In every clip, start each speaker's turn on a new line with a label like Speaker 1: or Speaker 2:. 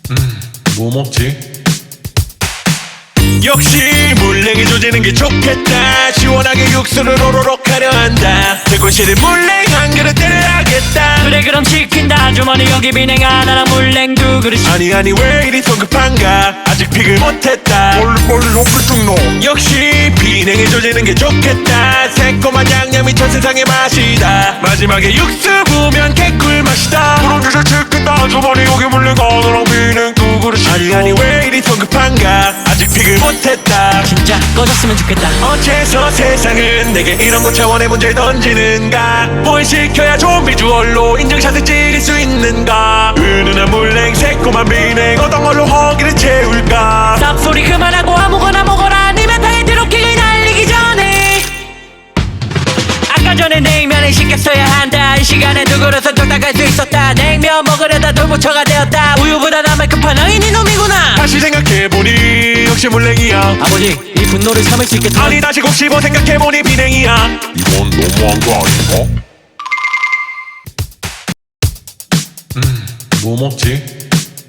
Speaker 1: 뭐 먹지?
Speaker 2: 역시 물냉이 조지는 게 좋겠다. 시원하게 육수를 오로록 하려 한다. 대구실에 물냉 한 그릇 때려야겠다.
Speaker 3: 그래 그럼 시킨다. 주머니 여기 비냉 하나랑 물냉 두 그릇.
Speaker 2: 아니 왜 이리 성급한가. 아직 픽을 못했다.
Speaker 1: 빨리 옆에 좀 넣어.
Speaker 2: 역시 비냉이 조지는 게 좋겠다. 새콤한 양념이 전 세상의 맛이다. 마지막에 육수 부으면 개꿀 맛이다.
Speaker 1: 그럼 이제 치킨다. 주머니 여기 물냉 하나랑 비냉 두 그릇.
Speaker 2: 아니 왜 이리 성급한가. 아직 픽을 못했다.
Speaker 3: 진짜 꺼졌으면 좋겠다.
Speaker 2: 어째서 세상은 내게 이런 고차원의 문제를 던지는가. 뭘 시켜야 좋은 비주얼로 인증샷을 찍을 수 있는가. 은은한 물냉 새콤한 비냉 어떤 걸로 허기를 채울까.
Speaker 3: 쌉소리 그만하고 아무거나 먹어라. 아니면 다이어트로 킬을 날리기 전에. 아까 전에 냉면을 시켰어야 한다. 이 시간에 두 그릇은 뚝딱 갈 수 있었다. 냉면 먹으려다 돌부처가 되었다. 우유보다 나만 급한 어인 이놈이구나.
Speaker 2: 다시 생각해보니 역시 물냉이야.
Speaker 3: 아버지 이 분노를 참을 수 있겠다.
Speaker 2: 아니 다시 곱씹어 생각해보니 비냉이야.
Speaker 1: 이건 너무한 거 아닌가? 뭐 먹지?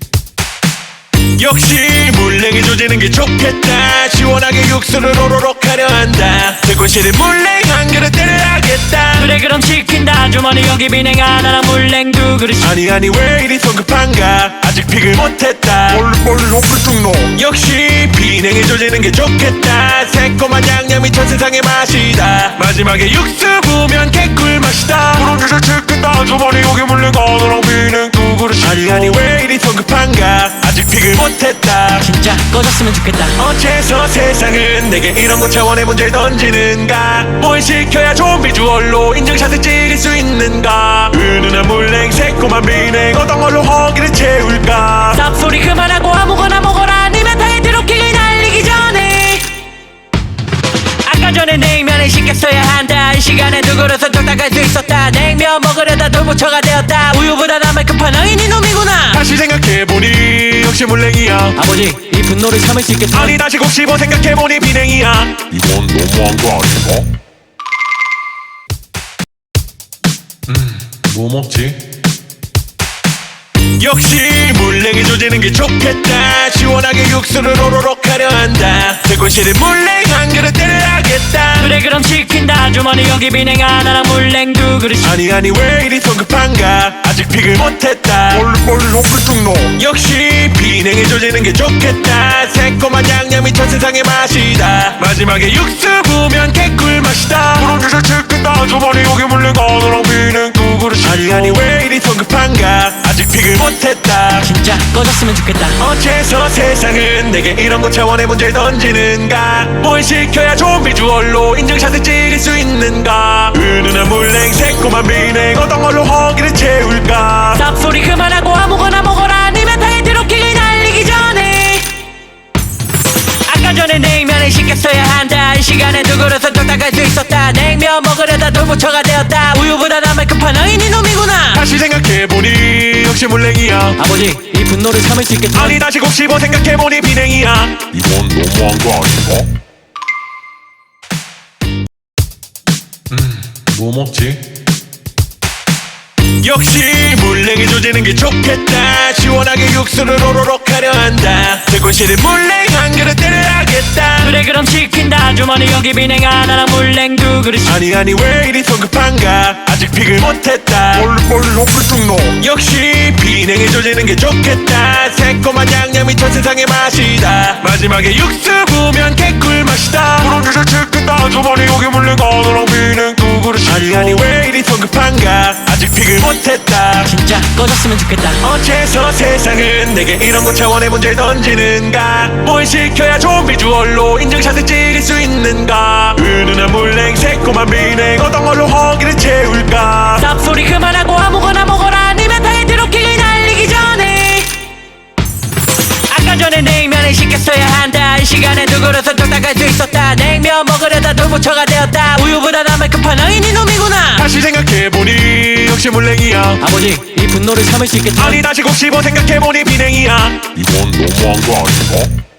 Speaker 2: 역시 물냉이 조지는 게 좋겠다. 시원하게 육수를 오로록 하려 한다. 대구실에 물냉 한 그릇 때려야겠다.
Speaker 3: 그래 그럼 시킨다. 주머니 여기 비냉 하나랑 물냉 두 그릇.
Speaker 2: 아니 왜 이리 성급한가. 아직 픽을 못했다.
Speaker 1: 빨리 옆에 좀 넣어.
Speaker 2: 역시 비냉이 조지는 게 좋겠다. 새콤한 양념이 전 세상의 맛이다. 마지막에 육수 부으면 개꿀 맛이다.
Speaker 1: 그럼 이제 치킨다. 주머니 여기 물냉 하나랑 비냉 두 그릇.
Speaker 2: 아니 왜 이리 성급한가. 아직 픽을 못했다.
Speaker 3: 진짜 꺼졌으면 좋겠다.
Speaker 2: 어째서 세상은 내게 이런 고차원의 문제를 던지는가. 뭘 시켜야 좋은 비주얼로 인증샷을 찍을 수 있는가. 은은한 물냉 새콤한 비냉 어떤 걸로 허기를 채울까.
Speaker 3: 쌉소리 그만하고 아무거나 먹어라. 아니면 다이어트로 킬을 날리기 전에. 아까 전에 냉면을 시켰어야 한다. 이 시간에 두 그릇은 뚝딱 갈 수 있었다. 냉면 먹으려다 돌부처가 되었다. 우유보다 나만 급한 어인 이놈이구나.
Speaker 2: 다시 생각해보니 역시 물냉이야.
Speaker 3: 아버지 이 분노를 참을 수 있겠다.
Speaker 2: 아니 다시 곱씹어 생각해보니 비냉이야.
Speaker 1: 이건 너무한 거 아닌가? 뭐 먹지?
Speaker 2: 역시 물냉이 조지는 게 좋겠다. 시원하게 육수를 오로록 하려 한다. 대구실에 물냉 한 그릇 때려야겠다.
Speaker 3: 그래 그럼 시킨다. 주머니 여기 비냉 하나랑 물냉 두 그릇.
Speaker 2: 아니 왜 이리 성급한가. 아직 픽을 못했다.
Speaker 1: 빨리 옆에 좀 넣어.
Speaker 2: 역시 비냉이 조지는 게 좋겠다. 새콤한 양념이 전 세상의 맛이다. 마지막에 육수 부으면 개꿀 맛이다.
Speaker 1: 그럼 이제 치킨다. 주머니 여기 물냉 하나랑 비냉 두 그릇.
Speaker 2: 아니 왜 이리 성급한가. 아직 픽을 못했다.
Speaker 3: 진짜 꺼졌으면 좋겠다.
Speaker 2: 어째서 세상은 내게 이런 고차원의 문제를 던지는가. 뭘 시켜야 좋은 비주얼로 인증샷을 찍을 수 있는가. 은은한 물냉 새콤한 비냉 어떤 걸로 허기를 채울까.
Speaker 3: 쌉소리 그만하고 아무거나 먹어라. 아니면 다이어트로 킬을 날리기 전에. 아까 전에 냉면을 시켰어야 한다. 이 시간에 두 그릇은 뚝딱 갈 수 있었다. 냉면 먹으려다 돌부처가 되었다. 우유보다 나만 급한 어인 이놈이구나.
Speaker 2: 다시 생각해보니 역시 물냉이야.
Speaker 3: 아버지 이 분노를 참을 수 있겠다.
Speaker 2: 아니 다시 곱씹어 생각해보니 비냉이야.
Speaker 1: 이건 너무한 거 아닌가? 뭐 먹지?
Speaker 2: 역시 물냉이 조지는 게 좋겠다. 시원하게 육수를 오로록 하려 한다. 대구실에 물냉 한 그릇 때려야겠다.
Speaker 3: 그래 그럼 시킨다. 주머니 여기 비냉 하나랑 물냉 두 그릇.
Speaker 2: 아니 왜 이리 성급한가. 아직 픽을 못했다.
Speaker 1: 빨리 옆에 좀 넣어.
Speaker 2: 역시 비냉이 조지는 게 좋겠다. 새콤한 양념이 전 세상의 맛이다. 마지막에 육수 부으면 개꿀 맛이다.
Speaker 1: 그럼 이제 치킨다. 주머니 여기 물냉 하나랑 비냉 두 그릇.
Speaker 2: 아니 왜 이리 성급한가. 아직 픽을 못했다.
Speaker 3: 진짜 꺼졌으면 좋겠다.
Speaker 2: 어째서 세상은 내게 이런 고차원의 문제를 던지는가. 뭘 시켜야 좋은 비주얼로 인증샷을 찍을 수 있는가. 은은한 물냉 새콤한 비냉 어떤 걸로 허기를 채울까.
Speaker 3: 쌉소리 그만하고 아무거나 먹어라. 아니면 다이어트로 킬을 날리기 전에. 아까 전에 냉면을 시켰어야 한다. 이 시간에 두 그릇은 뚝딱 갈 수 있었다. 냉면 먹으려다 돌부처가 되었다. 우유보다 나만 급한 어인 이놈이구나.
Speaker 2: 다시 생각해보니 역시 물냉이야.
Speaker 3: 아버지 이 분노를 참을 수 있겠다.
Speaker 2: 아니 다시 곱씹어 생각해보니 비냉이야.
Speaker 1: 이건 너무한 거 아닌가?